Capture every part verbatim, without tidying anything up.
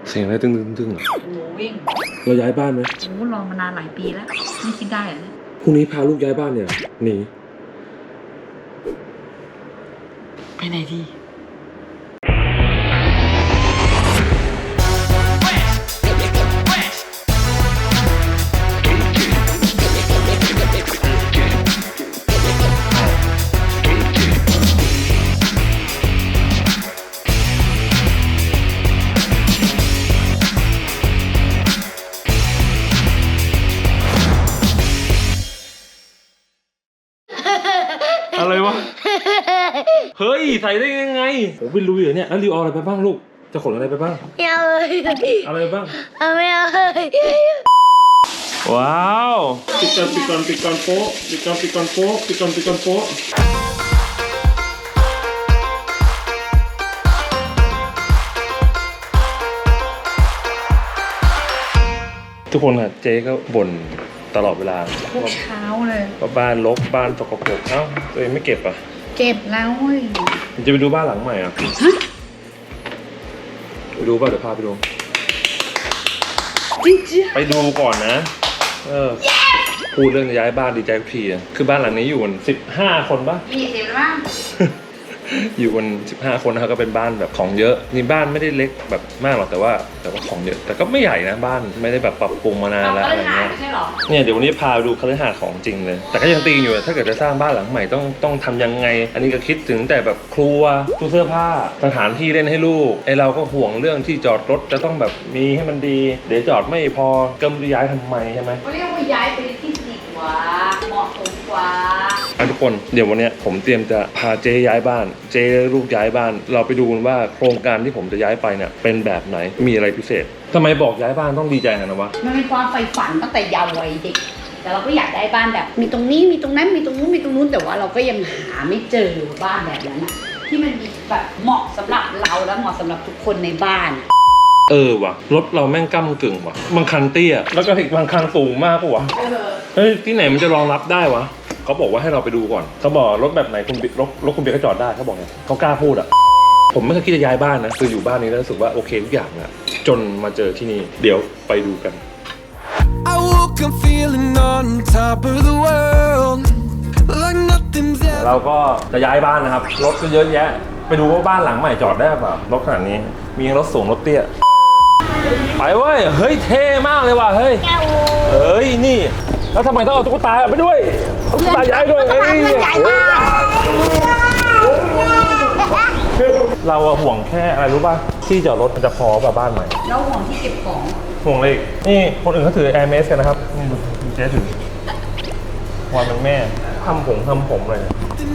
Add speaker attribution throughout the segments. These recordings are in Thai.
Speaker 1: เสียงอะไรตึ้งตึ้งตึ้งอ่ะ
Speaker 2: โอ้วิ่ง
Speaker 1: เราย้ายบ้านไหม
Speaker 2: โอ้รอมานานหลายปีแล้วไม่คิดได้เหรอ
Speaker 1: พรุ่งนี้พาลูกย้ายบ้านเนี่ยหนี
Speaker 2: ไปไหนดี
Speaker 1: อะไรวะ เฮ้ยใส่ได้ยังไงผมไม่รู้อยู่เนี่ยแล้วริวเอาอะไรไปบ้างลูกจะขนอะไรไปบ้าง
Speaker 3: ไม่เอาเลย
Speaker 1: อะไรไปบ้าง
Speaker 3: เอาไม่เอาเลย
Speaker 1: ว้าวปิดก่อนปิดก่อนปิดก่อนโป๊ะปิดก่อนปิดก่อนโป๊ะปิดก่อนปิดก่อนโป๊ะทุกคนอะเจ๊ก็บ่นตลอดเวลา
Speaker 2: ทุกเช้าเลย
Speaker 1: ว่าบ้านรกบ้านสกปรกเอ้าตัวเองไม่เก็บอ่ะ
Speaker 2: เก็บแล้วเว้ย
Speaker 1: จะไปดูบ้านหลังใหม่อ่ะไปดูป่ะเดี๋ยวพาไปดู
Speaker 2: จริงๆ
Speaker 1: ไปดูก่อนนะเออพูดเรื่องย้ายบ้านดีใจทุกทีอ่ะคือบ้านหลังนี้อยู่กันสิบห้าคนป่ะ
Speaker 2: ยี่สิบบ้าง
Speaker 1: อยู่กันสิบห้าคนนะครับก็เป็นบ้านแบบของเยอะนี่บ้านไม่ได้เล็กแบบมากหรอกแต่ว่าแต่ว่าของเยอะแต่ก็ไม่ใหญ่นะบ้านไม่ได้แบบปรับปรุงมานานแล้วอะไรเงี้ยเนี่ยเดี๋ยววันนี้พาดูคฤหาสน์ของจริงเลยแต่ก็ยังตีอยู่ถ้าเกิดจะสร้างบ้านหลังใหม่ต้องต้องทำยังไงอันนี้ก็คิดถึงแต่แบบครัวตู้เสื้อผ้าสถานที่เล่นให้ลูกไอเราก็ห่วงเรื่องที่จอดรถจะต้องแบบมีให้มันดีเดี๋ยวจอดไม่พอก็ไม่รู้ย้ายทำไมใช่ไหม
Speaker 2: เขาเรียกว่าย้ายไปที่ดีกว่าเหมาะสมกว่า
Speaker 1: ทุกคนเดี๋ยววันนี้ผมเตรียมจะพาเจ๊ย้ายบ้านเจ๊ลูกย้ายบ้านเราไปดูกันว่าโครงการที่ผมจะย้ายไปเนี่ยเป็นแบบไหนมีอะไรพิเศษทำไมบอกย้ายบ้านต้องดีใจนะวะ
Speaker 2: มันเป็นความใฝ่ฝันตั้งแต่เยาว์วัยเด็กแต่เราก็อยากได้บ้านแบบมีตรงนี้มีตรงนั้นมีตรงนู้นมีตรงนู้นแต่ว่าเราก็ยังหาไม่เจอบ้านแบบนั้นที่มันมีแบบเหมาะสำหรับเราและเหมาะสำหรับทุกคนในบ้าน
Speaker 1: เออว่ะรถเราแม่งก้ำกึ่งว่ะบางคันเตี้ยแล้วก็อีกบางคันสูงมากปะวะเฮ้ยที่ไหนมันจะรองรับได้วะเขาบอกว่าให้เราไปดูก่อนเขาบอกรถแบบไหนคุณรถรถคุณเบียร์ก็จอดได้เขาบอกไงเขากล้าพูดอ่ะผมไม่เคยคิดจะย้ายบ้านนะคืออยู่บ้านนี้แล้วรู้สึกว่าโอเคทุกอย่างนะจนมาเจอที่นี่เดี๋ยวไปดูกันเราก็จะย้ายบ้านนะครับรถก็เยอะแยะไปดูว่าบ้านหลังใหม่จอดได้ป่ะรถขนาดนี้มีรถสูงรถเตี้ยไปเว้ยเฮ้ยเท่มากเลยว่ะเฮ้ยเฮ้ยนี่แล้วทำไมต้องเอาตุ๊กตาไปด้วยตุ๊กตาย้ายด้วยเฮ้ยเราห่วงแค่อะไรรู้ป่ะที่จอดรถมันจะพอป่ะบ้านใหม่
Speaker 2: เราห่วงที่เก็บของ
Speaker 1: ห่วงเลยนี่คนอื่นเขาถือ Air Max กันนะครับนี่เจ๊ถือวันเป็นแม่ทำผมทำผมเลย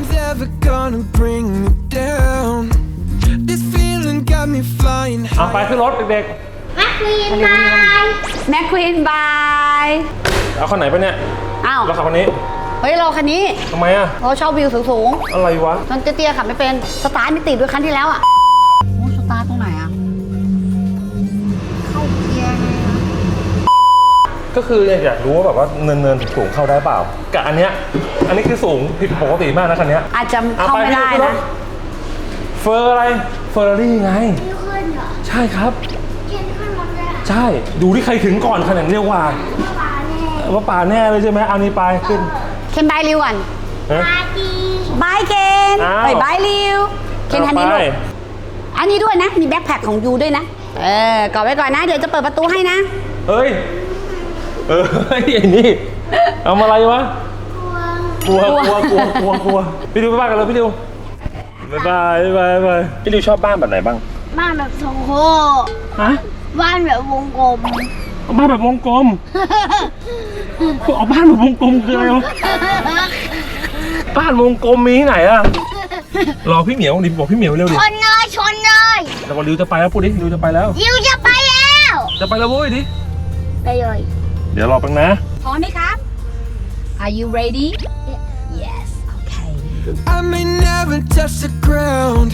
Speaker 1: เอาไปขึ้นรถเด็ก
Speaker 3: ๆแม็กควีนบาย
Speaker 2: แม็กควีนบาย
Speaker 1: เอาคันไหนไปเนี่ย
Speaker 2: อ้าว
Speaker 1: เราขับคันนี้
Speaker 2: เฮ้ยเราคันนี้
Speaker 1: ทำไมอ่ะ
Speaker 2: เราชอบวิวสูง
Speaker 1: ๆอะไรวะ
Speaker 2: มันเตี้ยๆขับไม่เป็นสตาร์ทไม่ติดด้วยคันที่แล้วอ่ะโอ้สตาร์ทตรงไหนอ่ะเข้าเกียร์ไง
Speaker 1: ก็คืออยากรู้ว่าแบบว่าเนินเนินสูงเข้าได้เปล่ากับอันเนี้ยอันนี้คือสูงผิดปกติมากนะคันนี้
Speaker 2: อาจจะเข้าไม่ได้นะ
Speaker 1: เฟอร์อะไรเฟอร์รารี่ไง
Speaker 3: ขึ้นเหรอ
Speaker 1: ใช่ครับ
Speaker 3: เข็นขึ้นรถเลย
Speaker 1: ใช่ดูที่ใครถึงก่อนขนาดเรียกว่าว่าป่าแน่เลยใช่ไหมเอานี้ไปขึ้น
Speaker 2: เคนบายริวก่อน
Speaker 3: บายดี
Speaker 2: บายเคนไปบายริวเคนคันนี้ลูกอันนี้ด้วยนะมีแบ็คแพ็คของยูด้วยนะเออกอดไว้ก่อนนะเดี๋ยวจะเปิดประตูให้นะ
Speaker 1: เฮ้ยเออไอ้นี่เอาอะไรวะกลัวกลัวกลัวกลัวกลัวพี่ดิวไปบ้านกันเลยพี่ดิวบายบายบายบายพี่ดิวชอบบ้านแบบไหนบ้าง
Speaker 3: บ้านแบบทรงโค้
Speaker 1: ฮะ
Speaker 3: บ้านแบบวงกลม
Speaker 1: บ้านแบบวงกลมเอาบ้านแบบวงกลมคืออะไรวะบ้านวงกลมมีที่ไหนอะรอพี่เหมียวดิบอกพี่เหมียวเร็วดิ
Speaker 3: ชนเลยชนเลย
Speaker 1: แล้วก็ริวจะไปแล้วพูดดิริวจะไปแล้ว
Speaker 3: ริวจะไปแล้ว
Speaker 1: จะไปแล้วโว้ยดิ
Speaker 3: ไปเลย
Speaker 1: เดี๋ยวรอแป๊บนะ
Speaker 2: พร้อมไหมครับ Are you ready Yes Okay
Speaker 4: I may never touch the ground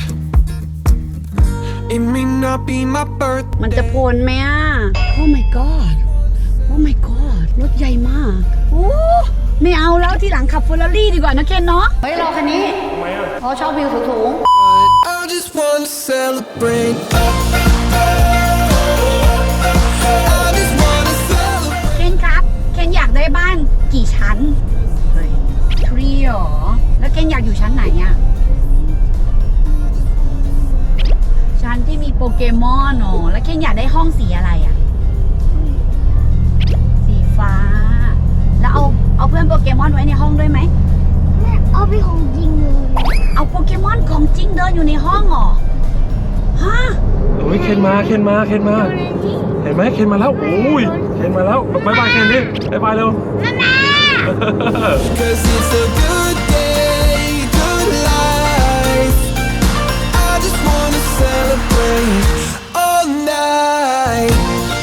Speaker 4: It may not be my birthday
Speaker 2: มันจะพ้นไหมอ่ะ Oh my God Oh my God รถใหญ่มากโอ้ไม่เอาแล้วที่หลังขับเฟอร์รารี่ดีกว่านะเคนเนาะเฮ้ยรอคันนี้
Speaker 1: ทำไมอ่ะ
Speaker 2: เพราะชอบวิวสูง
Speaker 4: I just want to celebrate
Speaker 2: เกมอนอ๋อแล้วเคนอยากได้ห้องสีอะไรอ่ะ สีฟ้า แล้วเอาเอาเพื่อนโปเกมอนไว้ในห้องด้วยไหม
Speaker 3: แม่เอาไปของจริงเลย
Speaker 2: เอาโปเกมอนของจริงเดินอยู่ในห้องเหรอ ฮะ
Speaker 1: โอ้ยเคนมาเคนมาเคนมา เห็นไหมเคนมาแล้วโอ้ยเคนมาแล้วบายบายเคนดิบายบายเร็ว
Speaker 4: Cause it's a good day, good life. I just wanna celebrate all night.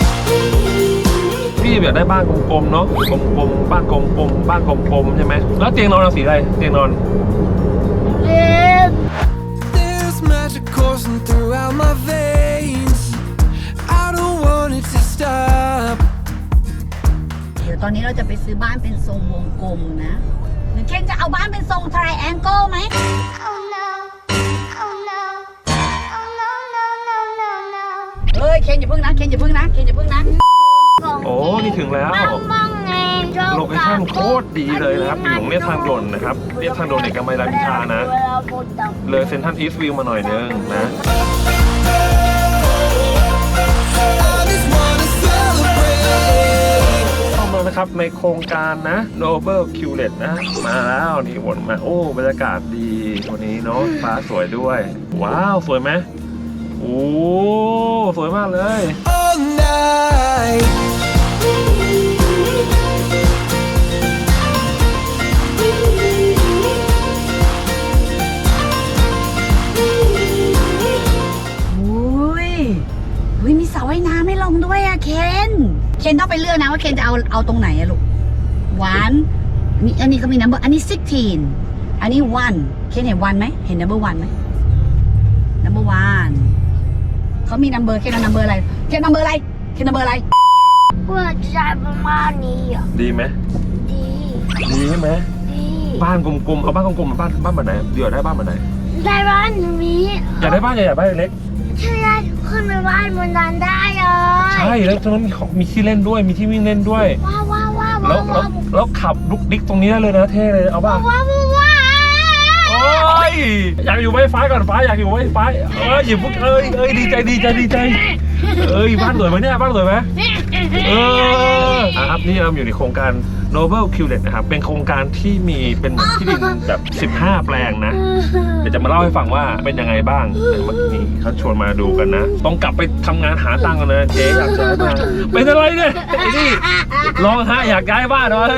Speaker 1: พี่อยากได้บ้านกลมๆเนาะกลมๆบ้านกลมๆบ้านกลมๆใช่ไหมแล้วเตียงนอนเอาสีอะไรเตียงนอน
Speaker 3: เล็ก
Speaker 4: There's magic coursing throughout my veins. I don't want it to stop.
Speaker 2: เดี๋ยวตอนนี้เราจะไปซื้อบ้านเป็นทรงวงกลมนะหรือเคนจะเอาบ้านเป็นทรง triangle ไหม
Speaker 3: Oh no Oh no Oh no no no no no
Speaker 2: เอ้ย เคนอย่าพึ่งนะ เคนอย่าพึ่งนะ เคนอย่าพึ่งนะ
Speaker 1: โอ้นี่ถึงแล้ว
Speaker 3: มั่งมั่งเอง
Speaker 1: โลเคชั่นโคตรดีเลยนะครับอยู่ตรงเรียบทางด่วนนะครับเรียบทางด่วนเอกมัยรามอินทรานะ เลยเซ็นทรัลอีสต์วิวมาหน่อยนึงนะ
Speaker 4: I just wanna celebrate.
Speaker 1: เข้ามานะครับในโครงการนะ Noble q l e t นะ มาแล้วนี่วนมาโอ้บรรยากาศดีวันนี้เนาะฟ้าสวยด้วย ว้าว สวยไหมโอ้สวยมากเลย
Speaker 4: All night.
Speaker 2: อุ้ยอุ้ยมีสระว่ายน้ำให้ลงด้วยอะเคน เคนต้องไปเลือกนะว่าเคนจะเอาเอาตรงไหนอะลูกหวานนี่อันนี้ก็มี number อันนี้สิบหกอันนี้ one เคนเห็น one ไหมเห็น number one ไหม number one เขามี number เคนเอา number อะไรเคน number อะไรเคน number อะไร
Speaker 3: ว่าจะประมาณนี้อ่ะ
Speaker 1: ดีไหม
Speaker 3: ดี
Speaker 1: ดีใช่ไหม
Speaker 3: ดี
Speaker 1: บ้านกลมๆเอาบ้านกลมๆมาบ้านบ้านแบบไหนเดี๋ยวได้บ้านแบบไหน
Speaker 3: ได้บ้านนี้
Speaker 1: อยากได้บ้านใหญ่อยากได้บ้านเล็ก
Speaker 3: ใช่ได้ขึ้นไปบ้านบนนั้นได้เลย
Speaker 1: ใช่แล้วตรงนั้นมีของมีที่เล่นด้วยมีที่วิ่งเล่นด้วย
Speaker 3: ว้าวว้าวว้าว
Speaker 1: แล้ว
Speaker 3: ว้าว
Speaker 1: แล้วแล้วขับลุกดิ๊กตรงนี้ได้เลยนะเท่เลยเอาบ้า
Speaker 3: ว้าวว้าวว้าว
Speaker 1: โอ้ยอยากอยู่ไวไฟก่อนฟ้าอยากอยู่ไวไฟเอ้ยอย่าพูดเอ้ยเอ้ยดีใจดีใจดีใจเอ้ยบ้านสวยไหมเนี่ยบ้านสวยไหมเอออ่ะครับนี่เราอยู่ในโครงการ Noble q l e t นะครับเป็นโครงการที่มีเป็นที่ดินแบบสิบห้าแปลงนะเดี๋ยวจะมาเล่าให้ฟังว่าเป็นยังไงบ้างแต่เมื่อกี้เขาชวนมาดูกันนะต้องกลับไปทำงานหาตังค์กันนะเจ๊อยากย้ายบ้านเป็นอะไรเนี่ยไอ้นี่ร้องไห้อยากย้ายบ้านเลย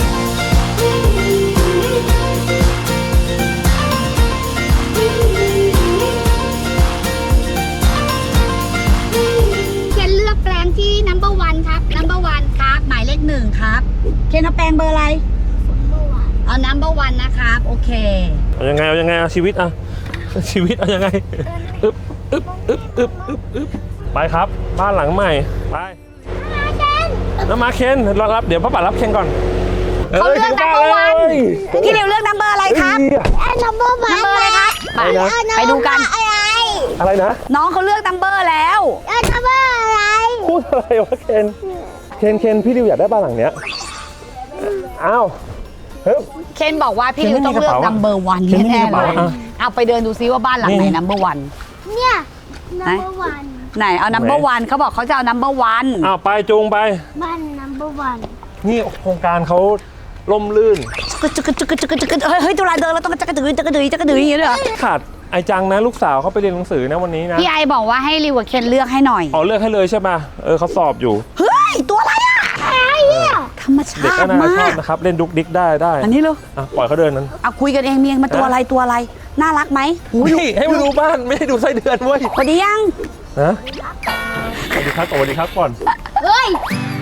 Speaker 2: เคนเลือกแปลงที่ number one ครับ number one ครับหมายเลขหนึ่งครับเคนเอาแปลงเบอร์อะไรเอา number one นะครับโอเค
Speaker 1: เอายังไงเอายังไงเอาชีวิตอะชีวิตเอายังไงอึ๊บอึ๊บอึ๊บอึ๊บอึ๊บอึ๊บไปครับบ้านหลังใหม่ไปน้ำมาเคนรอรับเดี๋ยวพ่อป๋ารับเคนก่อน
Speaker 2: เขาเลือก number one พี่เร็วเลือก number อะไรครับ
Speaker 3: ไอ้นัมเบอร์วัน
Speaker 2: number อะไรครับไปไปดูกัน
Speaker 3: อะไร
Speaker 1: อะไรนะ
Speaker 2: น้องเขาเลือก number แล้ว
Speaker 3: ไอ้นัมเบอร์อะไร
Speaker 1: พูดอะไรวะเคนเคนเคนพี่ดิวอยากได้บ้านหลังเนี้ยอ้าวเฮ้ย
Speaker 2: เคนบอกว่าพี่ริวต้องเลือก number one
Speaker 1: เคนไม่มี
Speaker 2: แน่
Speaker 1: กระ
Speaker 2: ๆเล
Speaker 1: เป๋าย อ่ะ
Speaker 2: เอาไปเดินดูซิว่าบ้านหลังไหน
Speaker 1: นี่
Speaker 2: number one
Speaker 3: เนี่ยนัมเบอร์วัน
Speaker 2: ไหนเอา number one เขาบอกเขาจะเอา number one
Speaker 1: อ้าวไปจูงไป
Speaker 3: บ้านนัมเบอร์วัน
Speaker 1: นี่โครงการเขาล่มลื่น
Speaker 2: จึกกึจึกกึจึกกึจึกกึเฮ้ยเฮ้ยตุลาเดินแล้วต้องจักกระดือจักกระดือจักกระดืออย่างเงี้ยเลยเหรอ
Speaker 1: ขาดไอจังนะลูกสาวเขาไปเรียนหนังสือนะวันนี้นะ
Speaker 2: พี่ไอบอกว่าให้ริวกับเคนเลือกให้หน่อย
Speaker 1: อ๋อเลือกให้เลยใช่ป่ะเออเขาสอบอยู่
Speaker 2: เฮ้ย ตัวอะไรอ่ะ
Speaker 3: อะไรเนี่ย
Speaker 2: ธรรมชา
Speaker 1: เด็กก็
Speaker 2: ติ
Speaker 1: น่าช
Speaker 2: มา
Speaker 1: อบ
Speaker 2: ก
Speaker 1: นะครับเล่นดุกดิกได้ได้
Speaker 2: อันนี้เลย
Speaker 1: อ่ะปล่อยเขาเดินนั้น
Speaker 2: เอาคุยกันเองเมียงมาตัวอะไรตัวอะไร น่ารักไหมหูย
Speaker 1: นี่ให้มาดูบ้านไม่ให้ดูไส้เดือนเว้ย
Speaker 2: พอดียัง
Speaker 1: นะสวัสดีครับสวัสดีครับก่อน
Speaker 3: เฮ้ย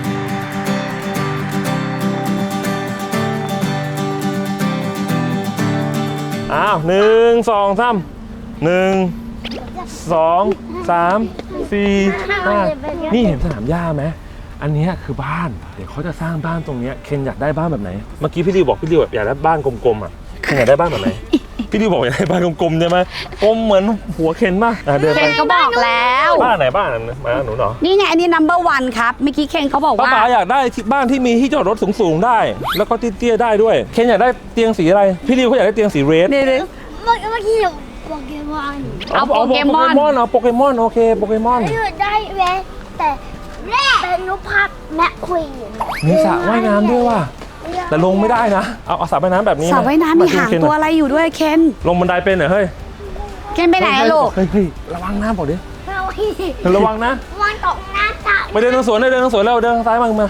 Speaker 1: อ้าวหนึ่งสองสามหนึ่งสองสามสี่ห้านี่เห็นสนามหญ้าไหมอันเนี้ยคือบ้านเดี๋ยวเขาจะสร้างบ้านตรงเนี้ยเคนอยากได้บ้านแบบไหนเมื่อกี้พี่ดิวบอกพี่ดิวแบบอยากได้บ้านกลมๆอ่ะเคนอยากได้บ้านแบบไหน พี่ดิวบอกอยากได้บ้านกลมๆใช่ไหมกลมเหมือนหัวเคนป่ะอ่ะเดิน
Speaker 2: เคน
Speaker 1: ไป
Speaker 2: เขาบอกแล้ว
Speaker 1: บ้านไหนบ้านนั้นมาหนูเหรอ
Speaker 2: นี่ไงอันนี้ number one ครับเมื่อกี้เคนเขาบอก
Speaker 1: ป้า
Speaker 2: ว่า
Speaker 1: ป๋าอยากได้ที่บ้านที่มีที่จอดรถสูงๆได้ แล้วก็เตี้ยๆได้ด้วยเคนอยากได้เตียงสีอะไรพี่ดิวเขาอยากได้เตียงสีเรด
Speaker 2: นี่เลย
Speaker 3: เมื่อเมื่อกี้โปเกมอน
Speaker 2: เอาโปเกมอน
Speaker 1: เอาโปเกมอนโอเคโปเกมอน
Speaker 3: อยู่ได้เว้ยแต่แรกเป็นรูปภาพแม่ควีน
Speaker 1: มีสระว่ายน้ำด้วยว่ะแต่ลงไม่ได้นะเอาเอาสระว่ายน้ำแบบนี้
Speaker 2: สระว่ายน้ำมีหางตัวอะไรอยู่ด้วยเคน
Speaker 1: ลงบันไดเป็นเหรอเฮ้ย
Speaker 2: เคนไปไหนอะลูก
Speaker 1: เฮ้ยเฮ้ยระวังน้ำบอกดิ
Speaker 3: เอาอีก
Speaker 1: ระวังนะ
Speaker 3: มันตกหน้าตา
Speaker 1: ไปเดินทางสวนเลยเดินทางสวนแล้วเดินทางซ้ายมามา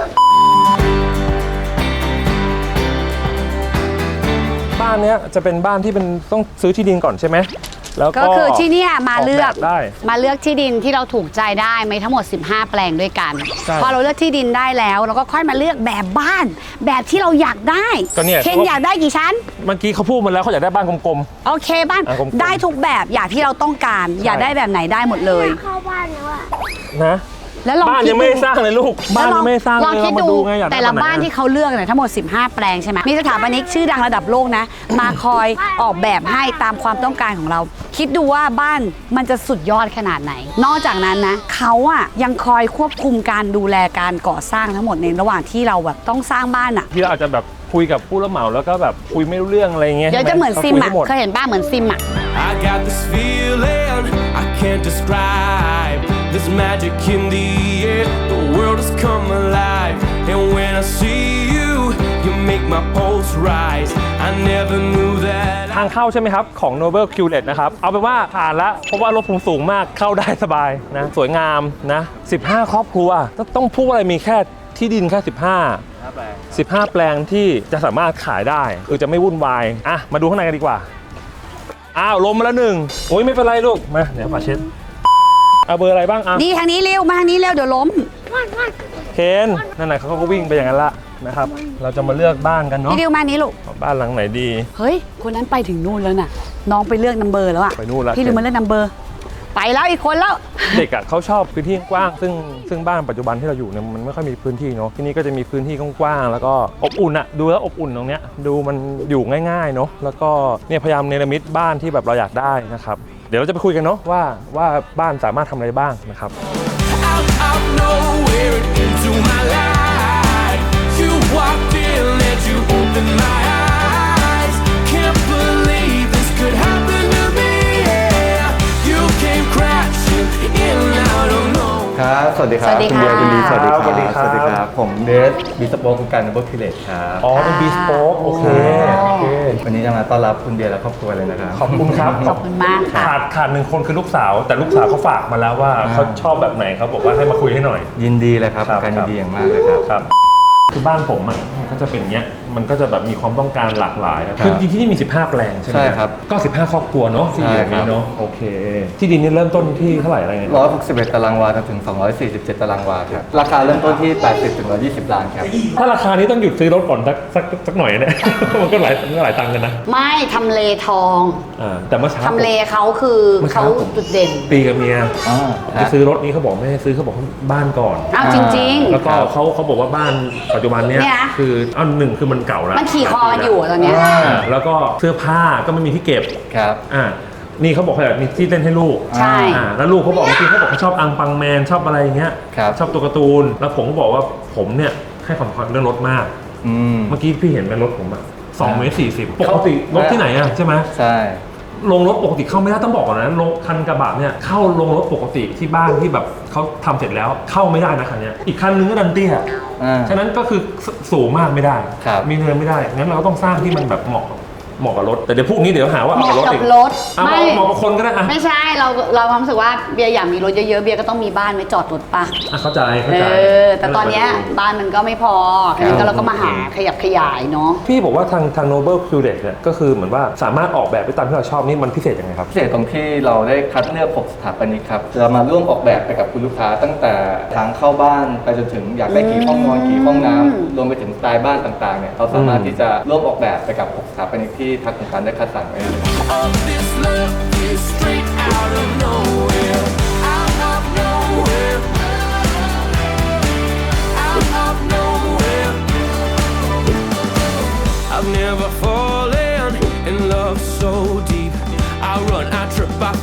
Speaker 1: บ้านเนี้ยจะเป็นบ้านที่เป็นต้องซื้อที่ดินก่อนใช่ไหมแล้วก็
Speaker 2: ก็คือที่เนี่ยมาเลือก
Speaker 1: ออกแบบได้
Speaker 2: มาเลือกที่ดินที่เราถูกใจได้มีทั้งหมดสิบห้าแปลงด้วยกัน
Speaker 1: ใช่
Speaker 2: พอเราเลือกที่ดินได้แล้วเราก็ค่อยมาเลือกแบบบ้าน แบบที่เราอยากได้
Speaker 1: ก็เนี่ย
Speaker 2: เคนอยากได้กี่ชั้น
Speaker 1: เมื่อกี้เขาพูดมาแล้วเขาอยากได้บ้านกลม
Speaker 2: โอเคบ้าน
Speaker 1: อ่ะกลมๆ
Speaker 2: ได้ทุกแบบอย่างที่เราต้องการ อยากได้แบบไหนได้หมดเลย
Speaker 3: เข้าบ้านแล้วอะ
Speaker 1: ๆนะ
Speaker 2: แล้วลอง
Speaker 1: บ้าน
Speaker 2: คิด
Speaker 1: ยัง
Speaker 2: ดู
Speaker 1: ไม่ได้สร้างเลยลูกบ้าน
Speaker 2: แล้ว
Speaker 1: ยังไม่ได้สร้าง
Speaker 2: ล
Speaker 1: เล
Speaker 2: อง
Speaker 1: ย
Speaker 2: คิด
Speaker 1: เรามา
Speaker 2: ดู
Speaker 1: ดูไงอยากได้
Speaker 2: แต่ละ
Speaker 1: แบบไหน
Speaker 2: บ้านที่เขาเลือกเนี่ยทั้งหมดสิบห้าแปลงใช่ไหมมีสถาปนิกชื่อดังระดับโลกนะ มาคอยออกแบบให้ตามความต้องการของเรา คิดดูว่าบ้านมันจะสุดยอดขนาดไหน นอกจากนั้นนะเขาอะยังคอยควบคุมการดูแลการก่อสร้างทั้งหมดในระหว่างที่เราแบบต้องสร้างบ้านอะ
Speaker 1: ที่เราอาจจะแบบคุยกับผู้รับเหมาแล้วก็แบบคุยไม่รู้เรื่องอะไรเงี้ย
Speaker 2: เดี๋ยวจะเหมือนซิมอะเคยเห็นบ้านเหมือนซิมอะ
Speaker 4: I got this feeling I can't describe. There's magic in the air. The world has come alive. And when I see you, you make my pulse rise. I never knew that.
Speaker 1: ทางเข้าใช่ไหมครับ ของ Noble q l e t นะครับ เอาเป็นว่าผ่านแล้วเพราะว่ารถผมสูงมากเข้าได้สบายนะ สวยงามนะสิบห้าครอบครัวต้องต้องพูดอะไรมีแค่ที่ดินแค่สิบห้า สิบห้าแปลงที่จะสามารถขายได้คือจะไม่วุ่นวายอ่ะมาดูข้างในกันดีกว่าอ้าวลมมาแล้วหนึ่งโอ้ยไม่เป็นไรลูกมาเดี๋ยวฝาเช็ดเอาเบอร์อะไรบ้างอ่ะ
Speaker 2: นี่ทางนี้เร็วมาทางนี้เร็วเดี๋ยวล้ม
Speaker 1: เคนนั่นแหละเขาก็วิ่งไปอย่างนั้นละนะครับเราจะมาเลือกบ้านกันเนาะ
Speaker 2: พี่ดิวมานี้ลูก
Speaker 1: บ้านหลังไหนดี
Speaker 2: เฮ้ยคนนั้นไปถึงนู่นแล้วน่ะน้องไปเลือกนัมเบอร์แล้วอะ
Speaker 1: ไปนู่นแล้ว
Speaker 2: พี่ดิวมาเลือกนัมเบอร์ไปแล้วอีกคนแล้ว
Speaker 1: เด็กอ่ะเขาชอบพื้นที่กว้างซึ่งซึ่งบ้านปัจจุบันที่เราอยู่เนี่ยมันไม่ค่อยมีพื้นที่เนาะที่นี่ก็จะมีพื้นที่กว้างๆแล้วก็อบอุ่นอ่ะดูแล้วอบอุ่นตรงเนี้ยดูมันอยู่ง่ายๆเนาะแล้วก็เนี่ยพยายามเนรมิตบ้านที่แบบเราอยากได้นะครับเดี๋ยวเราจะไปคุยกันเนาะว่าว่าบ้านสามารถทำอะไรบ้างนะครับ
Speaker 4: Out of nowhere into my life. You walked in and you opened my eyes. Can't believe this could happen to me. Yeah. You came crashing in out of nowhere.
Speaker 5: ครับ สวัสดีครับ
Speaker 2: สวัสดี
Speaker 5: ณเบียร์
Speaker 2: ค่ะ
Speaker 5: คุณดีสวัสดีครับ
Speaker 1: สวัสดีครับ
Speaker 5: สวัสดีครับ ผมเดสบิสโป๊กคุณการนับเบิลคิเลตครับ
Speaker 1: อ๋อเป็นบีสโป๊กโอเคโอเค
Speaker 5: วันนี้จะมาต้อนรับคุณเบียร์และครอบครัวเลยนะครับ
Speaker 1: ขอบคุณครับ
Speaker 2: ขอบคุณมากค่ะ
Speaker 1: ขาดขาดหนึ่งคนคือลูกสาว แต่ลูกสาวเขาฝากมาแล้วว่าเขาชอบแบบไหนเขาบอกว่าให้มาคุยให้หน่อย
Speaker 5: ยินดีเลยครับ
Speaker 1: ครับ
Speaker 5: การยินดีอย่างมากเลยครับ
Speaker 1: ครับคือบ้านผมอ่ะมันก็จะเป็นอย่างเงี้ยมันก็จะแบบมีความต้องการหลากหลายนะคือจริงๆที่นี่มีสิบห้าแปลงใช่ไหม
Speaker 5: ใช่ครับ
Speaker 1: ก็สิบห้าครอบครัวเนาะที่อยู่อย่าง
Speaker 5: ใช่ครั
Speaker 1: นี้
Speaker 5: บ
Speaker 1: เนาะโอเค ที่ดินนี่เริ่มต้นที่เท่าไหร่อะไรเงี้ย
Speaker 5: ร้อยหกสิบเอ็ดตารางวาจนถึงสองร้อยสี่สิบเจ็ดตารางวาครับ ราคาเริ่มต้นที่แปดสิบถึงหนึ่งร้อยยี่สิบล้านครับ
Speaker 1: ถ้าราคานี้ต้องหยุดซื้อรถก่อนสักสักสักหน่อยเนี่ย มันก็หลายมันก็หลายตังค์กันนะ
Speaker 2: ไม่ทำเลทอง
Speaker 1: อ่าแต่เมื่อเช้า
Speaker 2: ทำเลเขาคือ
Speaker 1: เมื่อ
Speaker 2: เขา
Speaker 1: เช้าผม
Speaker 2: จุดเด่น
Speaker 1: ตีกับเมีย
Speaker 5: อ่า
Speaker 1: ไปซื้อรถนี้เขาบอกไม่ให้ซื้อเขาบอกบ้านก่อน
Speaker 2: อ้าวจริง
Speaker 1: แล้วก็เขาเขาบอกว่าบ้านปัจจุบันเนี้ย
Speaker 2: เนี่ย
Speaker 1: คืออันหนึ่งคือมันเก่าแล้ว
Speaker 2: มันขี่คอกันอยู่อะตอนเนี้ย
Speaker 1: อ่าแล้วก็เสื้อผ้าก็ไม่มีที่เก็บ
Speaker 5: ครับ
Speaker 1: อ่านี่เขาบอกเขาอยากมีที่เล่นให้ลูก
Speaker 2: ใช่
Speaker 1: อ่าแล้วลูกเขาบอกเมื่อกี้เขาบอกเขาชอบอังปังแมนชอบอะไรอย่างเงี้ย
Speaker 5: ครับ
Speaker 1: ชอบตัวการ์ตูนแล้วผมก็บอกว่าผมเนี่ยให้ความสำคัญเรื่องรถมาก
Speaker 5: อืม
Speaker 1: เมื่อกี้พี่เห็นเป็นรถผมอะสองเมตรสี่สิบป
Speaker 5: เขา
Speaker 1: กติรถที่ไหนอะใช่ไหม
Speaker 5: ใช่
Speaker 1: ลงรถปกติเข้าไม่ได้ต้องบอกก่อนนะลงคันกระบะเนี่ยเข้าลงรถปกติที่บ้านที่แบบเขาทำเสร็จแล้วเข้าไม่ได้นะคันเนี้ยอีกคันนึงก็ดันเตี้ย
Speaker 5: อ่า
Speaker 1: ฉะนั้นก็คือสสูงมากไม่ได้
Speaker 5: ครับ
Speaker 1: มีเนินไม่ได้งั้นเราก็ต้องสร้างที่มันแบบเหมาะเหมาะกับรถแต่เดี๋ยวพวกนี้เดี๋ยวหาว่า
Speaker 2: เห
Speaker 1: เอา
Speaker 2: มาะ
Speaker 1: รถ
Speaker 2: กั
Speaker 1: อี
Speaker 2: บ
Speaker 1: ก
Speaker 2: รถ
Speaker 1: เอาเหมาะเหมาะกับคนก็ได้อะ
Speaker 2: ไม่ใช่เราเราความรู้สึกว่าเบียร์อยากมีรถเยอะๆเบียร์ก็ต้องมีบ้านไว้จอดรถปะ
Speaker 1: อ่ะเข้าใจเข้า
Speaker 2: เอ
Speaker 1: ใจ
Speaker 2: อแต่ตอนเนี้ยบ้านมันก็ไม่พอทีนี้ก็เราก็มาหาขยับขยายเนาะ
Speaker 1: พี่บอกว่าทางทาง Noble q l e t เนี่ยก็คือเหมือนว่าสามารถออกแบบไปตามที่เราชอบนี่มันพิเศษยังไงครับ
Speaker 5: พิเศษตรงที่เราได้คัดเลือกหกสถาปนิกครับเรามาร่วมออกแบบไปกับคุณลูกค้า ตั้งแต่ทางเข้าบ้านไปจนถึงอยากได้กี่ห้องนอนกี่ห้องน้ำรวมไปถึงสไตล์บ้านต่างๆเนี่ยเราสามารถที่จะร่วมออกแบบไปกับหกสถาปนิกที่ทางโครงการได้คัดสรรไว้เลย
Speaker 4: All this love is straight out of nowhere. Out of nowhere. Out of nowhere. I've never fallen in love so deep. I run, I trip, I
Speaker 1: ก็
Speaker 4: fall.
Speaker 1: คือ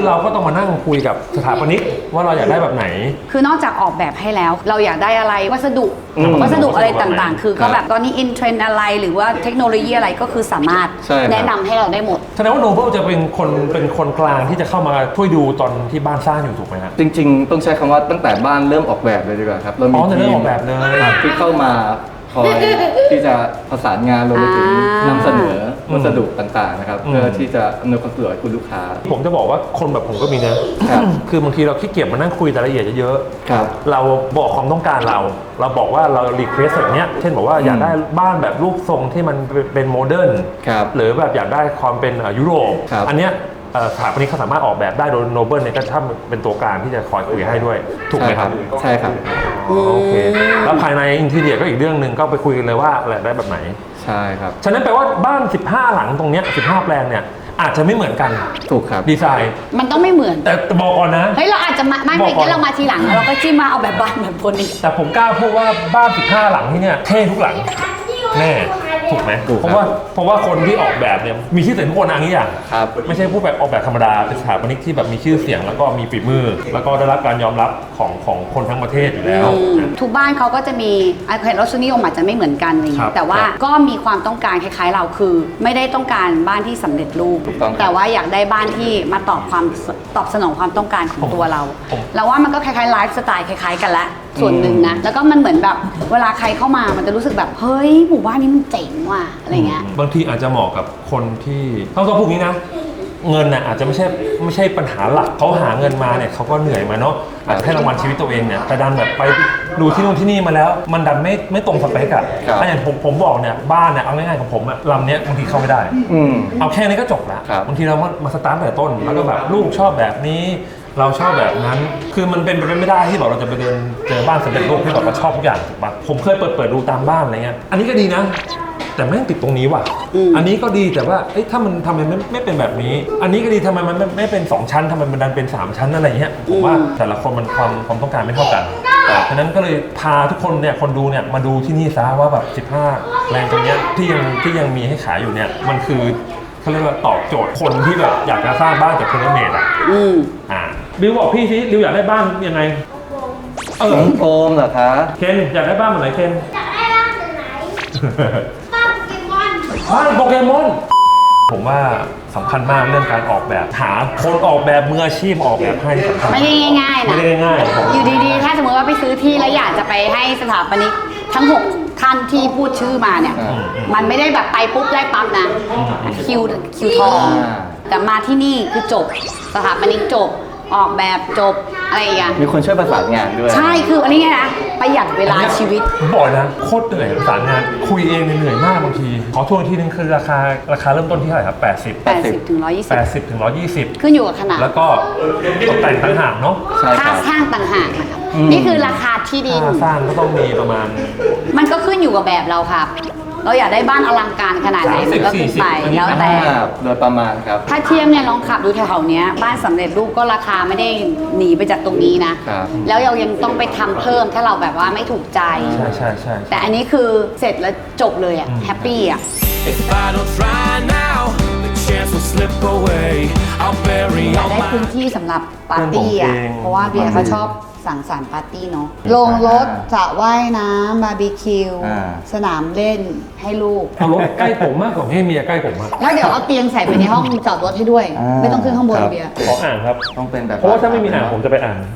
Speaker 1: เราก็ต้องมานั่งคุยกับสถาปนิกว่าเราอยากได้แบบไหน
Speaker 2: คือนอกจากออกแบบให้แล้ว เราอยากได้อะไรวัสดุ
Speaker 1: อืม
Speaker 2: วัสดุอะไรต่างๆ คือก็แบบตอนนี้อินเทรนด์อะไรหรือว่าเทคโนโลยีอะไรก็คือสามารถ
Speaker 5: ใช่ครับ
Speaker 2: แนะนำให้เราได้หมด
Speaker 1: แสดงว่าโนเบิลจะเป็นคนเป็นคนกลางที่จะเข้ามาช่วยดูตอนที่บ้านสร้างอยู่ถูกไหมฮะ
Speaker 5: จริงๆ ต้องใช้คำว่าตั้งแต่บ้านเริ่มออกแบบเลยดีกว่าครับ เรา
Speaker 1: อ๋
Speaker 5: มี
Speaker 1: อแต่
Speaker 5: ที
Speaker 1: เรื่อง
Speaker 5: ม
Speaker 1: ออกแบบเลย
Speaker 5: ครับที่เข้ามาคอยที่จะประสานงานรวมไปถึง
Speaker 2: อ่าน
Speaker 5: ำเสนอวัสดุต่างๆนะครับ
Speaker 1: อืม
Speaker 5: เพื่อที่จะอำนวยความสะดวกให้คุณลูกค้า
Speaker 1: ผมจะบอกว่าคนแบบผมก็มีนะครับ คือบางทีเราขี้เกียจมานั่งคุยรายละเอียดเยอะๆ
Speaker 5: ครับ
Speaker 1: เราบอกความต้องการเรา เราบอกว่าเรารีเควสแบบเนี้ยเช่นบอกว่าอยากได้บ้านแบบรูปทรงที่มันเป็นโมเดิร์น
Speaker 5: ครับ
Speaker 1: หรือแบบอยากได้ความเป็นเอ่อยุโรป
Speaker 5: ครับ
Speaker 1: อันเนี้ยเอ่อสถาปนิกเขาสามารถออกแบบได้โดยโนเบิลเนี่ยก็ถ้าเป็นตัวกลางที่จะคอยคุยให้ด้วย ถูกไหมครับ
Speaker 5: ใช่ครับ
Speaker 1: อ๋อโอเค แล้วภายในอินทีเรียก็อีกเรื่องหนึ่งก็ไปคุยกันเลยว่าอะไรได้แบบไหน
Speaker 5: ใช่ครับ
Speaker 1: ฉะนั้นแปลว่าบ้าน สิบห้า หลังตรงเนี้ยสิบห้า แปลงเนี่ยอาจจะไม่เหมือนกัน
Speaker 5: ถูกครับ
Speaker 1: ดีไซน์
Speaker 2: มันต้องไม่เหมือน
Speaker 1: แต่บอกก่อนนะ
Speaker 2: เฮ้ยเราอาจจะมาไม่
Speaker 1: บอก
Speaker 2: ไม่
Speaker 1: ก่อน
Speaker 2: งั้นเรามาทีหลังแล้วเราก็จิ้มมาเอาแบบบ้านแบบคนนี้
Speaker 1: แต่ผมกล้าพูดว่าบ้าน สิบห้า หลังที่เนี่ยเท่ทุกหลังแน่ถูกไหม
Speaker 5: ถูกครับ
Speaker 1: เพราะว่าเพราะว่าคนที่ออกแบบเนี่ยมีชื่อเสียงทุกคนอันนี้อย่าง
Speaker 5: ครับ
Speaker 1: ไม่ใช่ผู้แบบออกแบบธรรมดาเป็นสถาปนิกที่แบบมีชื่อเสียงแล้วก็มีฝีมือ แล้วก็ได้รับการยอมรับของของคนทั้งประเทศอยู่แล้ว
Speaker 2: อืมทุกบ้านเขาก็จะมีไอคอนรสนิยมอาจจะไม่เหมือนกันอะไรอย่าง
Speaker 1: ครั
Speaker 2: เงี้
Speaker 1: บ
Speaker 2: ยแต่ว่า
Speaker 1: ครับ
Speaker 2: ก็มีความต้องการคล้ายๆเราคือ ไม่ได้ต้องการบ้านที่สำเร็จรูป
Speaker 5: ถูกต้องครับ
Speaker 2: แต่ว่าอยากได้บ้านที่มาตอบความตอบสนองความต้องการของตัวเรา
Speaker 1: ผม
Speaker 2: เราว่ามันก็คล้ายๆไลฟ์สไตล์คล้ายๆกันละส่วนหนึ่งนะแล้วก็มันเหมือนแบบเวลาใครเข้ามามันจะรู้สึกแบบเฮ้ยหมู่บ้านนี้มันเจ๋งว่ะอะไรเงี้ย
Speaker 1: บางทีอาจจะเหมาะกับคนที่ต้องต้องพูดงี้นะ เงินน่ะอาจจะไม่ใช่ไม่ใช่ปัญหาหลักเขาหาเงินมาเนี่ยเขาก็เหนื่อยมาเนาะอาจจะให้รางวัลชีวิตตัวเองเนี่ยแต่ดันแบบไปดูที่นู่นที่นี่มาแล้ว มันดันไม่ไม่ตรงสเปกอะ
Speaker 5: ครับ
Speaker 1: ถ้าอย่างผมผมบอกเนี่ยบ้านเนี่ยเอาง่ายๆของผมอะลำเนี้ยบางทีเข้าไม่ได้
Speaker 5: อืม
Speaker 1: เอาแค่นี้ก็จบแล้ว
Speaker 5: ครับ
Speaker 1: บางทีเรามามาสตาร์ทแต่ต้น แล้วก็แบบลูกชอบแบบนี้ เราชอบแบบนั้น คือมันเป็นไปไม่ได้ที่แบบเราจะไปเดินเจอบ้านสำเร็จรูปที่แบบเราชอบทุกอย่างถูกปะผมเคยเปิดเปิดดูตามบ้านอะไรเงี้ยอันนี้ก็ดีนะ แต่แม่งติดตรงนี้ว่ะ
Speaker 2: อืม
Speaker 1: อันนี้ก็ดีแต่ว่าเอ้ยถ้ามันทำไมไม่ไม่เป็นแบบนี้ อันนี้ก็ดีทำไมมันไม่ไม่เป็นสองชั้นทำไมมันดันเป็นสามชั้นอะไรเงี้ยผมว่าแต่ละคนมันความความต้องการไม่เท่ากันฉะนั้นก็เลยพาทุกคนเนี่ยคนดูเนี่ยมาดูที่นี่ซะว่าแบบสิบห้าแรงตรงเนี้ยที่ยังที่ยังมีให้ขายอยู่เนี่ยมันคือเขาเรียกว่าตอบโจทย์คนที่แบบอยากจะสร้างบ้านจากเทเลเมดอ่ะ
Speaker 2: อืม
Speaker 1: อ่าบิวบอกพี่สิบิวอยากได้บ้านยังไงเออ
Speaker 5: น้องโอมเหรอคะ
Speaker 1: เคนอยากได้บ้านแบบไหนเคน
Speaker 3: อยากได้บ้านแบบไหนบ้านโปเกมอน
Speaker 1: บ้านโปเกมอน ผมว่าสำคัญมากเรื่องการออกแบบ หาคนออกแบบมืออาชีพออกแบบให้สำคัญ
Speaker 2: ไม่ได้ง่ายๆ
Speaker 1: ไม่
Speaker 2: นะ
Speaker 1: ได้ง่ายๆ
Speaker 2: อยู่ดีๆ ถ้าสมมติว่าไปซื้อที่แล้วอยากจะไปให้สถาปนิกทั้งหกท่านที่พูดชื่อมาเนี่ย
Speaker 5: อืม
Speaker 2: มันไม่ได้แบบไปปุ๊บได้ปั๊บนะ คิวคิวทอง
Speaker 5: อ่า
Speaker 2: แต่มาที่นี่คือจบ สถาปนิกจบ ออกแบบจบ อะไรอย่างเงี้ย
Speaker 5: มีคนช่วยประสานงานด้วย
Speaker 2: ใช่ คืออันนี้ไงนะ ประหยัดเวลาชีวิต
Speaker 1: ผมบอกนะโคตรเหนื่อยประสานงาน คุยเองเนี่ยเหนื่อยมากบางที ขอทวนอีกทีนึงคือราคาราคาเริ่มต้นที่เท่าไหร่ครับ แปดสิบ
Speaker 2: แปดสิบถึงร้อยยี่สิบ
Speaker 1: แปดสิบถึงหนึ่งร้อยยี่สิบ
Speaker 2: ขึ้นอยู่กับขนาด
Speaker 1: แล้วก็ตกแต่งต่างหากเนาะ
Speaker 5: ใช่ค
Speaker 2: ค่า
Speaker 5: รับ
Speaker 2: สร้างต่างหากนะครับ
Speaker 5: อืม
Speaker 2: นี่คือราคาที่ดิน
Speaker 1: ค่าสร้างก็ต้องมีประมาณ
Speaker 2: มันก็ขึ้นอยู่กับแบบเราครับ เราอยากได้บ้านอลังการขนาดไหนมันก็ขึ้นไป
Speaker 1: สามสิบสี่สิบ
Speaker 2: แล้วแต่
Speaker 5: อ่าโดยประมาณครับ
Speaker 2: ถ้าเทียมเนี่ยลองขับดูแถวๆเนี้ยบ้านสำเร็จรูปก็ราคาไม่ได้หนีไปจากตรงนี้นะ
Speaker 5: ครับ
Speaker 2: แล้วเรายังต้องไปทำเพิ่มถ้าเราแบบว่าไม่ถูกใจ
Speaker 1: ใช่ใช่ใช่
Speaker 2: แต่อันนี้คือเสร็จแล้วจบเลยอะแฮปปี้อะ
Speaker 4: If I don't try now, the chance will slip away. I'll bury
Speaker 2: อยาก
Speaker 4: all
Speaker 2: ได้
Speaker 4: my
Speaker 2: พื้นที่สำหรับปาร์ตี้อะเพราะว่าเบียร์เขาชอบสังสรรค์ปาร์ตี้เนาะโรงรถสระว่ายน้ำบาร์บีคิว
Speaker 5: อ่า
Speaker 2: สนามเล่นให้ลูก
Speaker 1: เอารถใกล้ผมมากกว่าให้เมียใกล้ผมมาก
Speaker 2: แล้วเดี๋ยวเอาเตียงใส่ไปในห้องจอดรถให้ด้วย
Speaker 5: อ่า
Speaker 2: ไม่ต้องขึ้นข้างบน
Speaker 5: ครับ
Speaker 2: เบียร์
Speaker 1: ขออ่านครับ
Speaker 5: ต้องเป็นแบบ
Speaker 1: เพราะว่าถ้าไม่มีอ่านผมจะไปอ่าน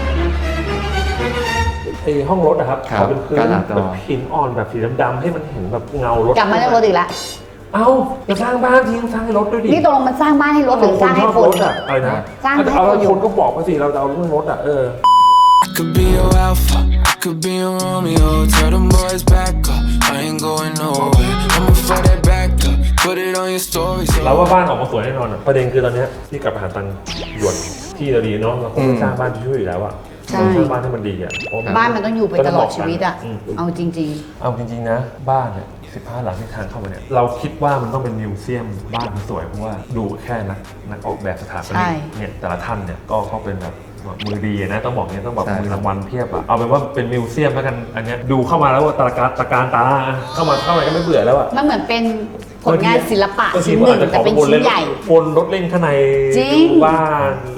Speaker 1: ไอห้องรถนะครับ
Speaker 5: ครับ
Speaker 1: ขอเป็นพื้น
Speaker 5: กระดาษ
Speaker 1: แบบ
Speaker 5: ดอง
Speaker 1: หินอ่อนแบบสีดำๆให้มันเห็นแบบเงารถ
Speaker 2: กลับมาเรื่องรถอีกแล้ว
Speaker 1: เอาจะสร้างบ้านทีต้องสร้างให้รถด้วยดิ
Speaker 2: นี่ตกลงมันสร้างบ้านให้รถหรือสร้างให้
Speaker 1: ชอบ
Speaker 2: คน
Speaker 1: รถอะอะไรนะ
Speaker 2: สร้างให้
Speaker 1: เอา
Speaker 2: คนอยู่
Speaker 1: คนก็บอกไปสิเราจะเอาเรื่องรถอะเออ
Speaker 4: I could be your alpha, I could be your Romeo. Tell them boys back up, I ain't going nowhere. I'ma throw that back up, put it on your story.
Speaker 1: เราว่าบ้านออกมาสวยแน่นอนอะประเด็นคือตอนเนี้ยที่กลับมาหาตังค์หยวนที่เราดีเนาะเราคงไม่สร้างบ้านช่วยอยู่แล้วอะ
Speaker 2: ใช่
Speaker 1: เราสร้างบ้านให้มันดีอะเพระ
Speaker 2: บ้านมันต้องอยู่ไปตลอดชีวิตอะ
Speaker 1: ม
Speaker 2: เอาจริง
Speaker 1: เอาจริงๆนะบ้านเนี่ยสิบห้าหลังที่ทางเข้ามาเนี่ยเราคิดว่ามันต้องเป็นมิวเซียมบ้านมันสวยเพราะว่าดูแค่นักนักออกแบบสถาป
Speaker 2: ใช่
Speaker 1: นิกเนี่ยแต่ละท่านเนี่ยก็เขาเป็นแบบมือดีนะต้องบอกเนี่ยต้องแบบ
Speaker 5: ใช่
Speaker 1: มือรางวัลเพียบอะเอาเป็นว่าเป็นมิวเซียมแล้วกันอันเนี้ยดูเข้ามาแล้วว่าตระการตระการตาเข้ามาเข้ามาก็ไม่เบื่อแล้วอะ
Speaker 2: ๆ มันเหมือนเป็นผลงานศิลปะ
Speaker 1: บางที
Speaker 2: ชิ้น
Speaker 1: ก็
Speaker 2: หนึ่
Speaker 1: อาง จจะข
Speaker 2: แต่
Speaker 1: อ
Speaker 2: เป็น
Speaker 1: วน
Speaker 2: ชิ้
Speaker 1: เล่
Speaker 2: น
Speaker 1: น
Speaker 2: ใหญ่
Speaker 1: วนรถเล่นข้างใน
Speaker 2: จริง
Speaker 1: ดูบ้าน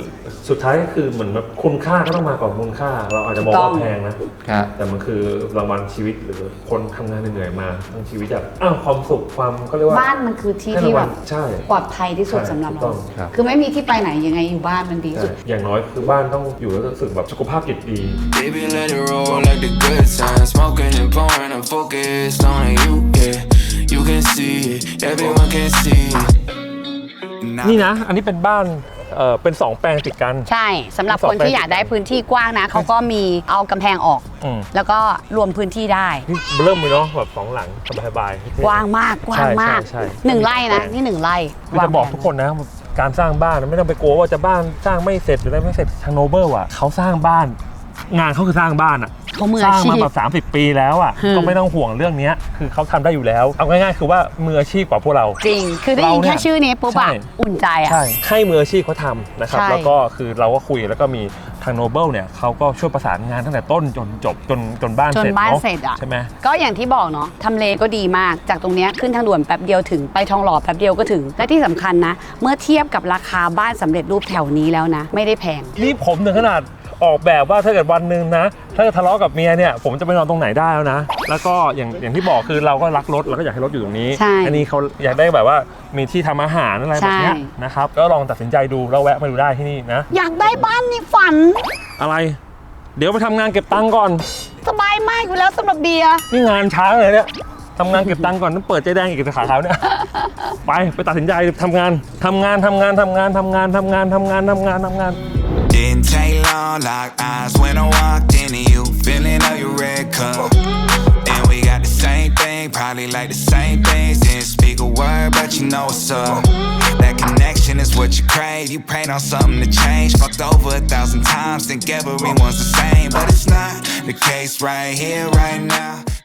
Speaker 1: สุดท้ายก็คือเหมือนแบบคุณค่าก็ต้องมาก่อนมูลค่า เราอาจจะมองว่าแพงนะ
Speaker 5: ครับ
Speaker 1: แต่มันคือรางวัลชีวิตหรือคนทำงานเหนื่อยๆมาทั้งชีวิตแบบอ้าวความสุขความเขาเรียกว่า
Speaker 2: บ้านมันคือที่
Speaker 1: ให้
Speaker 2: ที่
Speaker 1: ราง
Speaker 2: แบ
Speaker 1: วัล
Speaker 2: บ
Speaker 1: ใช่
Speaker 2: ปลอดภัยที่สุด
Speaker 1: ใช่
Speaker 2: สำหรับ
Speaker 1: ถูกต้
Speaker 2: เรา
Speaker 1: อง
Speaker 5: ครับ
Speaker 2: คือไม่มีที่ไปไหนยังไงอยู่บ้านมันดีที่สุด
Speaker 1: ใช่อย่างน้อยคือบ้านต้องอยู่แล้วรู้สึกแบบสุขภาพจิตดี
Speaker 4: Baby, let it roll like the good times. Smoking and pouring, I'm focused on you, yeah. You can see it, everyone can see it.
Speaker 1: นี่นะ อันนี้เป็นบ้านเอ่อเป็นสองแปลงติดกัน
Speaker 2: ใช่สำหรับคนที่อยากได้พื้นที่กว้างนะเขาก็มีเอากำแพงออก
Speaker 1: อืม
Speaker 2: แล้วก็รวมพื้นที่ได้
Speaker 1: นี่เริ่มเลยเนาะแบบสองหลังสบายๆ
Speaker 2: กว้างมากกว้างมาก
Speaker 1: ใช่ใช่ใช่
Speaker 2: หนึ่งไร่นะนี่หนึ่งไร่
Speaker 1: คือจะบอกทุกคนนะการสร้างบ้านไม่ต้องไปกลัวว่าจะบ้านสร้างไม่เสร็จหรืออะไรไม่เสร็จทางโนเบิลอ่ะเขาสร้างบ้าน งานเขาคือสร้างบ้านอ่ะ
Speaker 2: เขามือ
Speaker 1: ส
Speaker 2: อา
Speaker 1: ร้าง
Speaker 2: ชี
Speaker 1: มา
Speaker 2: พ
Speaker 1: แบบสามสิบปีแล้วอ่ะ
Speaker 2: อืม
Speaker 1: ก็ไม่ต้องห่วงเรื่องนี้คือเขาทำได้อยู่แล้วเอาง่ายๆคือว่ามืออาชีพกว่าพวกเรา
Speaker 2: จริง คือได้ยิน
Speaker 1: เราเนี่ย
Speaker 2: แค่ชื่อนี้ปุ๊บอะ
Speaker 1: ใช่
Speaker 2: อุ่นใจอะ
Speaker 1: ใช่ให้มืออาชีพเขาทำนะครับ
Speaker 2: ใช่
Speaker 1: แล้วก็คือเราก็คุยแล้วก็มีทางโนเบิลเนี่ยเขาก็ช่วยประสานงานตั้งแต่ต้นจนจบจนจนบ้าน
Speaker 2: จน
Speaker 1: เสร็จ
Speaker 2: บ้าน
Speaker 1: เนาะ
Speaker 2: เสร็จอะ
Speaker 1: ใช่ไหม
Speaker 2: ก็อย่างที่บอกเนาะทำเลก็ดีมากจากตรงเนี้ยขึ้นทางด่วนแป๊บเดียวถึงไปทองหล่อแป๊บเดียวก็ถึง และที่สำคัญนะ เมื่อเทียบกับราคาบ้านสำเร็จรูปแถวนี้แล้วนะ ไม่ได้แพง
Speaker 1: นี่ผมถึงขนาดออกแบบว่าถ้าเกิดวันหนึ่งนะ ถ้าจะทะเลาะกับเมียเนี่ยผมจะไปนอนตรงไหนได้แล้วนะ แล้วก็อย่างอย่างที่บอกคือเราก็รักรถเราก็อยากให้รถอยู่ตรงนี้
Speaker 2: ใช่
Speaker 1: อันี้เขาอยากได้แบบว่ามีที่ทำอาหารอะไรแบบเนี้ย
Speaker 2: ใช่
Speaker 1: นะครับก็ลองตัดสินใจดูแล้วแวะมาดูได้ที่นี่นะ
Speaker 2: อยากได้บ้านนี่ฝัน
Speaker 1: อะไร เดี๋ยวไปทำงานเก็บตังค์ก่อน
Speaker 2: สบายมากอยู่แล้วสำหรับเบียร์
Speaker 1: นี่งานช้าเลยเนี่ยทำงานเก็บตังค์ก่อนต้องเปิดใจแดงอีกสาขาเนี่ย ไปไปตัดสินใจทำงานทำงานทำงานทำงานทำงานทำงานทำงานทำงานทำงาน
Speaker 4: Didn't take long, locked eyes when I walked into you. Feeling of your red cup. And we got the same thing, probably like the same things. Didn't speak a word, but you know what's up. That connection is what you crave. You prayed on something to change. Fucked over a thousand times, think everyone's the same. But it's not the case right here, right now.